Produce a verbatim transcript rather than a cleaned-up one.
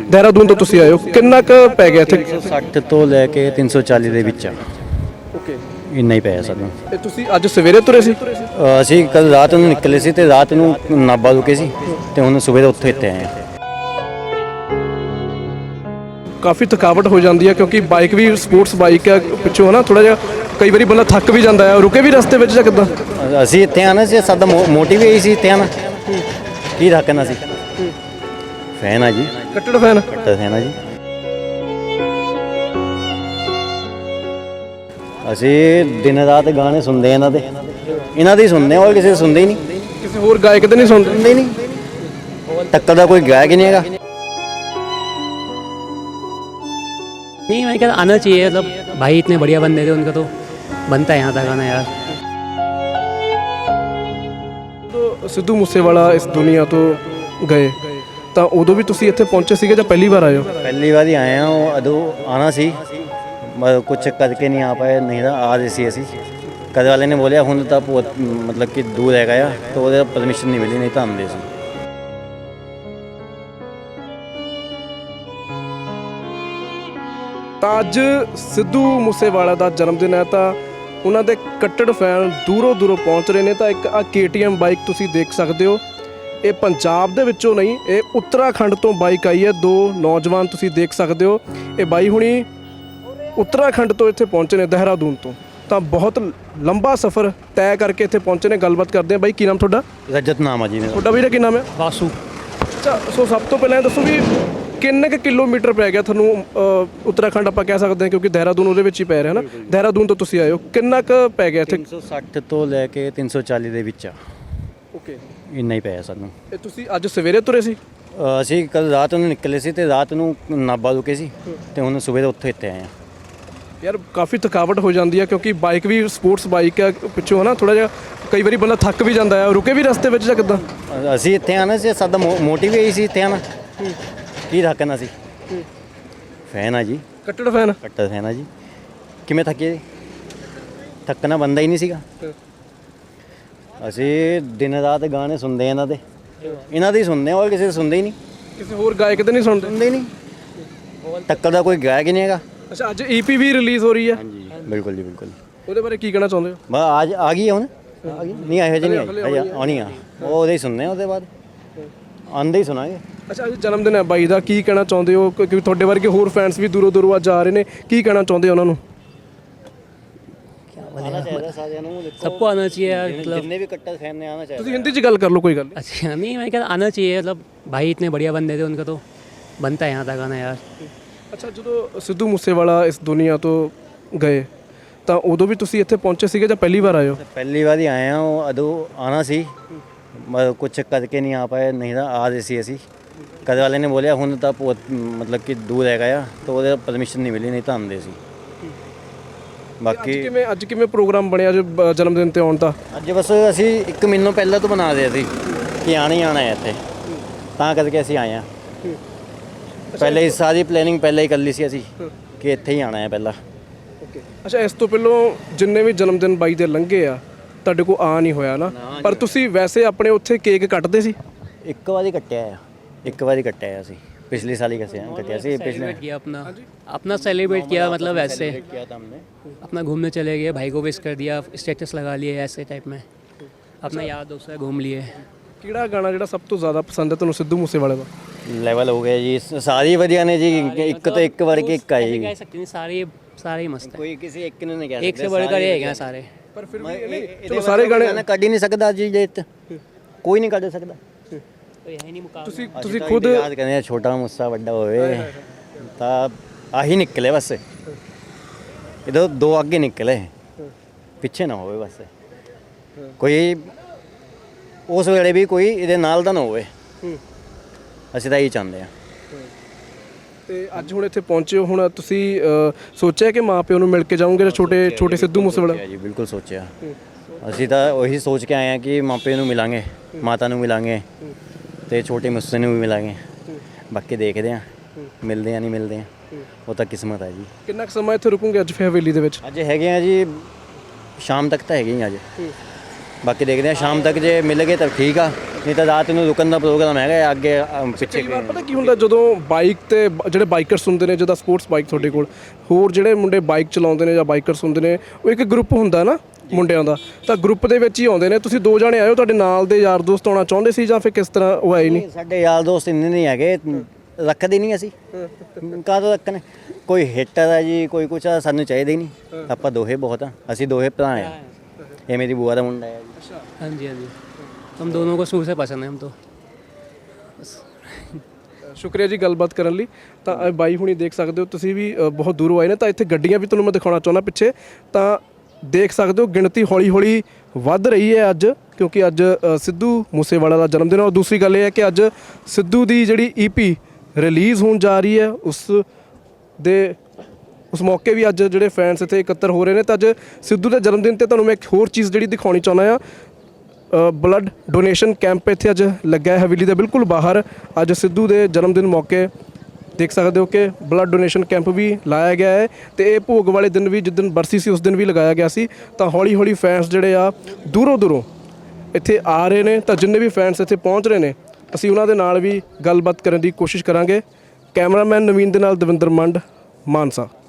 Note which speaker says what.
Speaker 1: ਦੇਹਰਾਦੂਨ ਤੋਂ ਤੁਸੀਂ ਆਏ ਹੋ, ਕਿੰਨਾ ਕੁ ਪੈ ਗਿਆ ਇੱਥੇ?
Speaker 2: ਸੱਠ ਤੋਂ ਲੈ ਕੇ ਤਿੰਨ ਸੌ ਚਾਲੀ ਦੇ ਵਿੱਚ ਆ,
Speaker 1: ਓਕੇ।
Speaker 2: ਇੰਨਾ ਹੀ ਪਿਆ ਸਾਨੂੰ।
Speaker 1: ਤੇ ਤੁਸੀਂ ਅੱਜ ਸਵੇਰੇ ਤੁਰੇ ਸੀ?
Speaker 2: ਅ, ਅਸੀਂ ਕੱਲ ਰਾਤ ਨੂੰ ਨਿਕਲੇ ਸੀ ਤੇ ਰਾਤ ਨੂੰ ਨਾਭਾ ਰੁਕੇ ਸੀ ਤੇ ਹੁਣ ਸਵੇਰੇ ਉੱਥੋਂ ਇੱਥੇ ਆਏ ਹਾਂ।
Speaker 1: ਕਾਫੀ ਥਕਾਵਟ ਹੋ ਜਾਂਦੀ ਹੈ ਕਿਉਂਕਿ ਬਾਈਕ ਵੀ ਸਪੋਰਟਸ ਬਾਈਕ ਹੈ, ਪਿੱਛੋਂ ਹੈ ਨਾ ਥੋੜਾ ਜਿਹਾ ਕਈ ਵਾਰੀ ਬੰਦਾ ਥੱਕ ਵੀ ਜਾਂਦਾ ਹੈ। ਰੁਕੇ ਵੀ ਰਸਤੇ ਵਿੱਚ ਜਾਂ ਕਿੱਦਾਂ?
Speaker 2: ਅਸੀਂ ਇੱਥੇ ਆਣਾ ਸੀ, ਸਾਡਾ ਮੋਟਿਵ ਇਹੀ ਸੀ ਇੱਥੇ ਆਣਾ, ਕੀ ਰੱਖਣਾ ਸੀ। ਫੈਨ ਆ ਜੀ,
Speaker 1: ਕੱਟੜ ਫੈਨ।
Speaker 2: ਕੱਟੜ ਫੈਨ ਆ ਜੀ। ਅਸੀਂ ਦਿਨ ਰਾਤ ਗਾਣੇ ਸੁਣਦੇ ਆ ਇਹਨਾਂ ਦੇ, ਇਹਨਾਂ ਦੇ ਹੀ ਸੁਣਦੇ ਆ, ਹੋਰ ਕਿਸੇ ਦੇ ਸੁਣਦੇ ਹੀ ਨਹੀਂ।
Speaker 1: ਕਿਸੇ ਹੋਰ ਗਾਇਕ ਦੇ ਨਹੀਂ ਸੁਣਦੇ?
Speaker 2: ਸੁਣਦੇ ਹੀ ਨਹੀਂ, ਟੱਕਰ ਦਾ ਕੋਈ ਗਾਇਕ ਹੀ ਨਹੀਂ ਹੈਗਾ।
Speaker 3: नहीं मैं कहता आना चाहिए, मतलब भाई इतने बढ़िया बंदे थे, उनका तो बनता है यहाँ तक आना यार।
Speaker 1: ਜਦੋਂ ਸਿੱਧੂ ਮੂਸੇਵਾਲਾ ਇਸ ਦੁਨੀਆ ਤੋਂ ਗਏ ਤਾਂ ਉਦੋਂ ਵੀ ਤੁਸੀਂ ਇੱਥੇ ਪਹੁੰਚੇ ਸੀਗੇ ਜਾਂ ਪਹਿਲੀ ਵਾਰ ਆਏ ਹੋ?
Speaker 2: ਪਹਿਲੀ ਵਾਰ ਹੀ ਆਏ ਆ, ਉਹ ਉਦੋਂ ਆਣਾ ਸੀ, ਮਤਲਬ ਕੁਛ ਕਰਕੇ ਨਹੀਂ ਆ ਪਾਏ, ਨਹੀਂ ਤਾਂ ਆ ਰਹੇ ਸੀ ਅਸੀਂ। ਕਦੇ ਵਾਲੇ ਨੇ ਬੋਲਿਆ ਹੁਣ ਤਾਂ ਬਹੁਤ ਮਤਲਬ ਕਿ ਦੂਰ ਹੈਗਾ ਆ, ਤਾਂ ਉਹਦੇ ਪਰਮਿਸ਼ਨ ਨਹੀਂ ਮਿਲੀ, ਨਹੀਂ ਤਾਂ ਆਉਂਦੇ ਸੀ।
Speaker 1: ਤਾਂ ਅੱਜ ਸਿੱਧੂ ਮੂਸੇਵਾਲਾ ਦਾ ਜਨਮ ਦਿਨ ਹੈ ਤਾਂ ਉਹਨਾਂ ਦੇ ਕੱਟੜ ਫੈਨ ਦੂਰੋਂ ਦੂਰੋਂ ਪਹੁੰਚ ਰਹੇ ਨੇ। ਤਾਂ ਇੱਕ ਆ ਕੇ ਟੀ ਐਮ ਬਾਈਕ ਤੁਸੀਂ ਦੇਖ ਸਕਦੇ ਹੋ, ਇਹ ਪੰਜਾਬ ਦੇ ਵਿੱਚੋਂ ਨਹੀਂ, ਇਹ ਉੱਤਰਾਖੰਡ ਤੋਂ ਬਾਈਕ ਆਈ ਹੈ। ਦੋ ਨੌਜਵਾਨ ਤੁਸੀਂ ਦੇਖ ਸਕਦੇ ਹੋ, ਇਹ ਬਾਈ ਹੁਣੀ ਉੱਤਰਾਖੰਡ ਤੋਂ ਇੱਥੇ ਪਹੁੰਚੇ ਨੇ, ਦੇਹਰਾਦੂਨ ਤੋਂ। ਤਾਂ ਬਹੁਤ ਲੰਬਾ ਸਫ਼ਰ ਤੈਅ ਕਰਕੇ ਇੱਥੇ ਪਹੁੰਚੇ ਨੇ। ਗੱਲਬਾਤ ਕਰਦੇ ਹਾਂ। ਬਾਈ ਕੀ ਨਾਮ ਤੁਹਾਡਾ?
Speaker 2: ਰਜਤ ਨਾਮ ਆ ਜੀ ਮੇਰਾ।
Speaker 1: ਤੁਹਾਡਾ ਵੀਰੇ ਕੀ ਨਾਮ ਹੈ?
Speaker 3: वासु।
Speaker 1: ਅੱਛਾ, ਸੋ ਸਭ ਤੋਂ ਪਹਿਲਾਂ ਇਹ ਦੱਸੋ ਵੀ ਕਿੰਨੇ ਕੁ ਕਿਲੋਮੀਟਰ ਪੈ ਗਿਆ ਤੁਹਾਨੂੰ? ਉੱਤਰਾਖੰਡ ਆਪਾਂ ਕਹਿ ਸਕਦੇ ਹਾਂ ਕਿਉਂਕਿ ਦੇਹਰਾਦੂਨ ਉਹਦੇ ਵਿੱਚ ਹੀ ਪੈ ਰਿਹਾ ਨਾ। ਦੇਹਰਾਦੂਨ ਤੋਂ ਤੁਸੀਂ ਆਏ ਹੋ, ਕਿੰਨਾ ਕੁ ਪੈ ਗਿਆ ਇੱਥੇ?
Speaker 2: ਤਿੰਨ ਸੌ ਸੱਠ ਤੋਂ ਲੈ ਕੇ ਤਿੰਨ ਸੌ ਚਾਲੀ ਦੇ ਵਿੱਚ ਆ,
Speaker 1: ਓਕੇ।
Speaker 2: ਇੰਨਾ ਹੀ ਪਿਆ ਸਾਨੂੰ।
Speaker 1: ਇਹ ਤੁਸੀਂ ਅੱਜ ਸਵੇਰੇ ਤੁਰੇ ਸੀ?
Speaker 2: ਅ, ਅਸੀਂ ਕੱਲ ਰਾਤ ਨੂੰ ਨਿਕਲੇ ਸੀ ਤੇ ਰਾਤ ਨੂੰ ਨਾਭਾ ਰੁਕੇ ਸੀ ਤੇ ਹੁਣ ਸਵੇਰੇ ਉੱਥੋਂ ਇੱਥੇ ਆਏ ਹਾਂ।
Speaker 1: ਯਾਰ ਕਾਫੀ ਥਕਾਵਟ ਹੋ ਜਾਂਦੀ ਹੈ ਕਿਉਂਕਿ ਬਾਈਕ ਵੀ ਸਪੋਰਟਸ ਬਾਈਕ ਹੈ, ਪਿੱਛੋਂ ਹੈ ਨਾ ਥੋੜਾ ਜਿਹਾ ਕਈ ਵਾਰੀ ਬੰਦਾ ਥੱਕ ਵੀ ਜਾਂਦਾ ਹੈ। ਰੁਕੇ ਵੀ ਰਸਤੇ ਵਿੱਚ ਜਾਂ ਕਿੱਦਾਂ?
Speaker 2: ਅਸੀਂ ਇੱਥੇ ਆਣਾ ਸੀ, ਸਾਡਾ ਮੋਟਿਵ ਇਹੀ ਸੀ ਇੱਥੇ ਆਣਾ, ਕੀ ਰੱਖਣਾ ਸੀ। ਫੈਨ ਆ ਜੀ,
Speaker 1: ਕੱਟੜ ਫੈਨ।
Speaker 2: ਕੱਟੜ ਫੈਨ ਆ ਜੀ। ਕਿਵੇਂ ਥੱਕੇ? ਥੱਕਣਾ ਬੰਦਾ ਹੀ ਨਹੀਂ ਸੀਗਾ। ਅਸੀਂ ਦਿਨ ਰਾਤ ਗਾਣੇ ਸੁਣਦੇ ਆ ਇਹਨਾਂ ਦੇ, ਇਹਨਾਂ ਦੇ ਹੀ ਸੁਣਦੇ ਆ, ਹੋਰ ਕਿਸੇ ਦੇ ਸੁਣਦੇ ਹੀ ਨਹੀਂ।
Speaker 1: ਕਿਸੇ ਹੋਰ ਗਾਇਕ ਦੇ ਨਹੀਂ ਸੁਣਦੇ?
Speaker 2: ਸੁਣਦੇ ਹੀ ਨਹੀਂ, ਟੱਕਰ ਦਾ ਕੋਈ ਗਾਇਕ ਹੀ ਨਹੀਂ ਹੈਗਾ।
Speaker 1: ਅੱਛਾ, ਅੱਜ ਈ ਪੀ ਵੀ ਰਿਲੀਜ਼ ਹੋ ਰਹੀ ਹੈ?
Speaker 2: ਹਾਂਜੀ ਬਿਲਕੁਲ ਜੀ ਬਿਲਕੁਲ।
Speaker 1: ਉਹਦੇ ਬਾਰੇ ਕੀ ਕਹਿਣਾ ਚਾਹੁੰਦੇ ਹੋ?
Speaker 2: ਬਸ ਅੱਜ ਆ ਗਈ ਹੈ ਹੁਣ, ਆ ਗਈ ਨਹੀਂ, ਇਹੋ ਜਿਹੀ ਨਹੀਂ ਆਈ, ਆਉਣੀ ਆ। ਉਹ ਉਹਦੇ ਹੀ ਸੁਣਨੇ ਆ, ਉਹਦੇ ਬਾਅਦ ਆਉਂਦੇ ਹੀ ਸੁਣਾਂਗੇ।
Speaker 1: ਅੱਛਾ, ਅੱਜ ਜਨਮ ਦਿਨ ਹੈ ਬਾਈ ਦਾ, ਕੀ ਕਹਿਣਾ ਚਾਹੁੰਦੇ ਹੋ? ਕਿਉਂਕਿ ਤੁਹਾਡੇ ਵਰਗੇ ਹੋਰ ਫੈਨਸ ਵੀ ਦੂਰੋਂ ਦੂਰੋਂ ਅੱਜ ਆ ਰਹੇ ਨੇ, ਕੀ ਕਹਿਣਾ ਚਾਹੁੰਦੇ ਹੋ ਉਹਨਾਂ ਨੂੰ?
Speaker 2: ਆਉਣਾ ਚਾਹੀਦਾ ਸਾਰਿਆਂ ਨੂੰ,
Speaker 3: सबको आना चाहिए यार, मतलब
Speaker 2: ਜਿੰਨੇ ਵੀ ਕੱਟੜ ਫੈਨ ਨੇ ਆਉਣਾ ਚਾਹੀਦਾ।
Speaker 1: ਤੁਸੀਂ ਹਿੰਦੀ 'ਚ ਗੱਲ ਕਰ ਲਓ, ਕੋਈ ਗੱਲ ਨਹੀਂ।
Speaker 3: अच्छा नहीं मैं कहता आना चाहिए, मतलब भाई इतने बढ़िया बंदे थे, उनका तो बनता है यहाँ तक आना यार।
Speaker 1: ਅੱਛਾ, ਜਦੋਂ ਸਿੱਧੂ ਮੂਸੇਵਾਲਾ ਇਸ ਦੁਨੀਆ ਤੋਂ ਗਏ ਤਾਂ ਉਦੋਂ ਵੀ ਤੁਸੀਂ ਇੱਥੇ ਪਹੁੰਚੇ ਸੀਗੇ ਜਾਂ ਪਹਿਲੀ ਵਾਰ ਆਏ ਹੋ?
Speaker 2: ਪਹਿਲੀ ਵਾਰ ਹੀ ਆਏ ਆ, ਉਹ ਉਦੋਂ ਆਣਾ ਸੀ, ਮਤਲਬ ਕੁਛ ਕਰਕੇ ਨਹੀਂ ਆ ਪਾਏ, ਨਹੀਂ ਤਾਂ ਆ ਰਹੇ ਸੀ ਅਸੀਂ। ਕਦੇ ਵਾਲੇ ਨੇ ਬੋਲਿਆ ਹੁਣ ਤਾਂ ਬਹੁਤ ਮਤਲਬ ਕਿ ਦੂਰ ਹੈਗਾ ਆ, ਤਾਂ ਉਹਦੇ ਪਰਮਿਸ਼ਨ ਨਹੀਂ ਮਿਲੀ, ਨਹੀਂ ਤਾਂ ਆਉਂਦੇ ਸੀ। ਬਾਕੀ
Speaker 1: ਅੱਜ ਕਿਵੇਂ ਅੱਜ ਕਿਵੇਂ ਪ੍ਰੋਗਰਾਮ ਬਣਿਆ ਜੋ ਜਨਮ ਦਿਨ ਤੇ ਆਉਣ ਦਾ?
Speaker 2: ਅੱਜ ਬਸ ਅਸੀਂ ਇੱਕ ਮਹੀਨਾ ਪਹਿਲਾਂ ਤੋਂ ਬਣਾ ਰਹੇ ਸੀ ਕਿ ਆਣਾ ਹੀ ਆਣਾ ਹੈ ਇੱਥੇ, ਤਾਂ ਕਰਕੇ ਅਸੀਂ ਆਏ ਆ। ਪਹਿਲੇ ਹੀ ਸਾਰੀ ਪਲੈਨਿੰਗ ਪਹਿਲਾਂ ਹੀ ਕਰ ਲਈ ਸੀ ਅਸੀਂ ਕਿ ਇੱਥੇ ਹੀ ਆਣਾ ਹੈ ਪਹਿਲਾਂ।
Speaker 1: ਓਕੇ। ਅੱਛਾ, ਇਸ ਤੋਂ ਪਹਿਲਾਂ ਜਿੰਨੇ ਵੀ ਜਨਮ ਦਿਨ ਬਾਈ ਦੇ ਲੰਘੇ ਆ ਤੁਹਾਡੇ ਕੋਲ ਆ ਨਹੀਂ ਹੋਇਆ ਨਾ, ਪਰ ਤੁਸੀਂ ਵੈਸੇ ਆਪਣੇ ਉੱਥੇ ਕੇਕ ਕੱਟਦੇ ਸੀ?
Speaker 2: ਇੱਕ ਵਾਰੀ ਕੱਟਿਆ ਆ, ਇੱਕ ਵਾਰੀ ਕੱਟਿਆ ਅਸੀਂ, ਪਿਛਲੇ ਸਾਲ ਹੀ ਕੱਟਿਆ ਕੱਟਿਆ ਸੀ। पिछले
Speaker 3: सेलिब्रेट किया अपना अपना सेलिब्रेट किया, मतलब ऐसे
Speaker 2: किया था हमने,
Speaker 3: अपना घूमने चले गए, भाई को विश कर दिया, स्टेटस लगा लिए ऐसे टाइप में, अपना यार दोस्त है घूम लिए।
Speaker 1: ਕਿਹੜਾ ਗਾਣਾ ਜਿਹੜਾ ਸਭ ਤੋਂ ਜ਼ਿਆਦਾ ਪਸੰਦ ਹੈ ਤੁਹਾਨੂੰ ਸਿੱਧੂ ਮੂਸੇਵਾਲੇ ਦਾ?
Speaker 2: ਲੈਵਲ ਹੋ ਗਿਆ ਜੀ, ਸਾਰੀ ਵਧੀਆ ਨੇ ਜੀ, ਇੱਕ ਤੋਂ ਇੱਕ ਵੜ ਕੇ ਇੱਕ ਆਈ।
Speaker 3: कह सकते हैं सारे सारे ही मस्त है,
Speaker 2: ਕੋਈ ਕਿਸੇ ਇੱਕ ਨੂੰ ਨਹੀਂ ਕਹਿ
Speaker 3: एक से बढ़कर एक हैं सारे।
Speaker 1: ਪਰ ਫਿਰ ਵੀ
Speaker 2: ਸਕਦੇ।
Speaker 1: ਚਲੋ ਸਾਰੇ ਗਾਣੇ
Speaker 2: ਕੱਢ ਹੀ ਨਹੀਂ ਸਕਦਾ ਜੀ, ਜੇ ਕੋਈ ਨਹੀਂ ਕੱਢ ਸਕਦਾ।
Speaker 3: तो यही नहीं मुकाबला।
Speaker 1: ਤੁਸੀਂ
Speaker 2: ਅਸੀਂ
Speaker 1: ਤੁਸੀਂ
Speaker 2: ਤਾਂ
Speaker 1: ਖੁਦ
Speaker 2: ਯਾਦ ਕਰਦੇ ਹਾਂ, ਛੋਟਾ ਮੁੱਸਾ ਵੱਡਾ ਹੋਵੇ ਤਾਂ ਆਹੀ ਨਿਕਲੇ ਬਸ, ਇਹਦੇ ਦੋ ਅੱਗੇ ਨਿਕਲੇ, ਪਿੱਛੇ ਨਾ ਹੋਵੇ ਬਸ। ਕੋਈ ਉਸ ਵੇਲੇ ਵੀ ਕੋਈ ਇਹਦੇ ਨਾਲ ਦਾ ਨਾ ਹੋਵੇ, ਅਸੀਂ ਤਾਂ ਇਹੀ ਚਾਹੁੰਦੇ ਹਾਂ।
Speaker 1: ਤੇ ਅੱਜ ਹੁਣ ਇੱਥੇ ਪਹੁੰਚੇ ਹੋ, ਹੁਣ ਤੁਸੀਂ ਅ, ਸੋਚਿਆ ਕਿ ਮਾਂ ਪਿਓ ਨੂੰ ਮਿਲ ਕੇ ਜਾਓਗੇ ਜਾਂ ਛੋਟੇ ਛੋਟੇ ਸਿੱਧੂ ਮੂਸੇਵਾਲਾ?
Speaker 2: ਜੀ ਬਿਲਕੁਲ ਸੋਚਿਆ, ਅਸੀਂ ਤਾਂ ਉਹੀ ਸੋਚ ਕੇ ਆਏ ਹਾਂ ਕਿ ਮਾਪੇ ਨੂੰ ਮਿਲਾਂਗੇ, ਮਾਤਾ ਨੂੰ ਮਿਲਾਂਗੇ ਤੇ ਛੋਟੇ ਮੁੱਸੇ ਨੂੰ ਵੀ ਮਿਲਾਂਗੇ। ਬਾਕੀ ਦੇਖਦੇ ਹਾਂ ਮਿਲਦੇ ਆ ਨਹੀਂ ਮਿਲਦੇ ਆ, ਉਹ ਤਾਂ ਕਿਸਮਤ ਹੈ ਜੀ।
Speaker 1: ਕਿੰਨਾ ਕੁ ਸਮਾਂ ਇੱਥੇ ਰੁਕੋਗੇ ਅੱਜ ਫਿਰ ਹਵੇਲੀ ਦੇ ਵਿੱਚ?
Speaker 2: ਅੱਜ ਹੈਗੇ ਆ ਜੀ, ਸ਼ਾਮ ਤੱਕ ਤਾਂ ਹੈਗੇ ਹੀ ਅੱਜ। ਬਾਕੀ ਦੇਖਦੇ ਹਾਂ ਸ਼ਾਮ ਤੱਕ ਜੇ ਮਿਲ ਗਏ ਤਾਂ ਠੀਕ ਆ, ਨਹੀਂ ਤਾਂ ਰਾਤ ਨੂੰ ਰੁਕਣ ਦਾ ਪ੍ਰੋਗਰਾਮ ਹੈਗਾ ਅੱਗੇ ਅ, ਪਿੱਛੇ
Speaker 1: ਕਈ ਵਾਰ ਪਤਾ ਕੀ ਹੁੰਦਾ ਜਦੋਂ ਬਾਈਕ ਤੇ ਬ- ਜਿਹੜੇ ਬਾਈਕਰਸ ਹੁੰਦੇ ਨੇ, ਜਿਹਦਾ ਸਪੋਰਟਸ ਬਾਈਕ ਤੁਹਾਡੇ ਕੋਲ, ਹੋਰ ਜਿਹੜੇ ਮੁੰਡੇ ਬਾਈਕ ਚਲਾਉਂਦੇ ਨੇ ਜਾਂ ਬਾਈਕਰਸ ਹੁੰਦੇ ਨੇ, ਉਹ ਇੱਕ ਗਰੁੱਪ ਹੁੰਦਾ ਨਾ ਮੁੰਡਿਆਂ ਦਾ, ਤਾਂ ਗਰੁੱਪ ਦੇ ਵਿੱਚ ਹੀ ਆਉਂਦੇ ਨੇ। ਤੁਸੀਂ ਦੋ ਜਣੇ ਆਏ ਹੋ, ਤੁਹਾਡੇ ਨਾਲ ਦੇ ਯਾਰ ਦੋਸਤ ਆਉਣਾ ਚਾਹੁੰਦੇ ਸੀ ਜਾਂ ਫਿਰ ਕਿਸ ਤਰ੍ਹਾਂ ਉਹ ਆਏ ਨਹੀਂ?
Speaker 2: ਸਾਡੇ ਯਾਰ ਦੋਸਤ ਇੰਨੇ ਨਹੀਂ ਹੈਗੇ, ਰੱਖਦੇ ਨਹੀਂ ਅਸੀਂ, ਕਾਹਦੋਂ ਰੱਖਣ। ਕੋਈ ਹਿੱਟਰ ਹੈ ਜੀ, ਕੋਈ ਕੁਛ ਆ, ਸਾਨੂੰ ਚਾਹੀਦਾ ਹੀ ਨਹੀਂ। ਆਪਾਂ ਦੋਹੇ ਬਹੁਤ ਆ, ਅਸੀਂ ਦੋਹੇ ਭਰਾ ਆ। ਇਹ ਮੇਰੀ ਬੂਆ ਦਾ ਮੁੰਡਾ ਹੈ ਜੀ।
Speaker 3: हाँ जी हाँ जी, हम दोनों को शुरू से पसंद है हम तो।
Speaker 1: ਸ਼ੁਕਰੀਆ ਜੀ ਗੱਲਬਾਤ ਕਰਨ ਲਈ। ਤਾਂ ਇਹ ਬਾਈ ਹੁਣੀ ਦੇਖ ਸਕਦੇ ਹੋ ਤੁਸੀਂ ਵੀ, ਅ, ਬਹੁਤ ਦੂਰੋਂ ਆਏ ਨੇ। ਤਾਂ ਇੱਥੇ ਗੱਡੀਆਂ ਵੀ ਤੁਹਾਨੂੰ ਮੈਂ ਦਿਖਾਉਣਾ ਚਾਹੁੰਦਾ ਪਿੱਛੇ, ਤਾਂ ਦੇਖ ਸਕਦੇ ਹੋ ਗਿਣਤੀ ਹੌਲੀ ਹੌਲੀ ਵੱਧ ਰਹੀ ਹੈ ਅੱਜ, ਕਿਉਂਕਿ ਅੱਜ ਅ, ਸਿੱਧੂ ਮੂਸੇਵਾਲਾ ਦਾ ਜਨਮ ਦਿਨ ਹੈ। ਔਰ ਦੂਸਰੀ ਗੱਲ ਇਹ ਹੈ ਕਿ ਅੱਜ ਸਿੱਧੂ ਦੀ ਜਿਹੜੀ ਈਪੀ ਰਿਲੀਜ਼ ਹੋਣ ਜਾ ਰਹੀ ਹੈ, ਉਸ ਦੇ ਉਸ ਮੌਕੇ ਵੀ ਅੱਜ ਜਿਹੜੇ ਫੈਨਸ ਇੱਥੇ ਇਕੱਤਰ ਹੋ ਰਹੇ ਨੇ। ਤਾਂ ਅੱਜ ਸਿੱਧੂ ਦੇ ਜਨਮ ਦਿਨ ਤੇ ਤੁਹਾਨੂੰ ਮੈਂ ਇੱਕ ਹੋਰ ਚੀਜ਼ ਜਿਹੜੀ ਦਿਖਾਉਣੀ ਚਾਹੁੰਦਾ ਆ, ਬਲੱਡ ਡੋਨੇਸ਼ਨ ਕੈਂਪ ਇੱਥੇ ਅੱਜ ਲੱਗਾ ਹੈ ਹਵੇਲੀ ਦੇ ਬਿਲਕੁਲ ਬਾਹਰ। ਅੱਜ ਸਿੱਧੂ ਦੇ ਜਨਮ ਦਿਨ ਮੌਕੇ ਦੇਖ ਸਕਦੇ ਹੋ ਕਿ ਬਲੱਡ ਡੋਨੇਸ਼ਨ ਕੈਂਪ ਵੀ ਲਾਇਆ ਗਿਆ ਹੈ, ਤੇ ਇਹ ਭੋਗ ਵਾਲੇ ਦਿਨ ਵੀ, ਜਿਸ ਦਿਨ ਬਰਸੀ ਸੀ ਉਸ ਦਿਨ ਵੀ ਲਗਾਇਆ ਗਿਆ ਸੀ। ਤਾਂ ਹੌਲੀ ਹੌਲੀ ਫੈਨਸ ਜਿਹੜੇ ਆ ਦੂਰੋਂ ਦੂਰੋਂ ਇੱਥੇ ਆ ਰਹੇ ਨੇ। ਤਾਂ ਜਿੰਨੇ ਵੀ ਫੈਨਸ ਇੱਥੇ ਪਹੁੰਚ ਰਹੇ ਨੇ, ਅਸੀਂ ਉਹਨਾਂ ਦੇ ਨਾਲ ਵੀ ਗੱਲਬਾਤ ਕਰਨ ਦੀ ਕੋਸ਼ਿਸ਼ ਕਰਾਂਗੇ। ਕੈਮਰਾਮੈਨ ਨਵੀਨ ਦੇ ਨਾਲ ਦਵਿੰਦਰ ਮੰਡ, ਮਾਨਸਾ।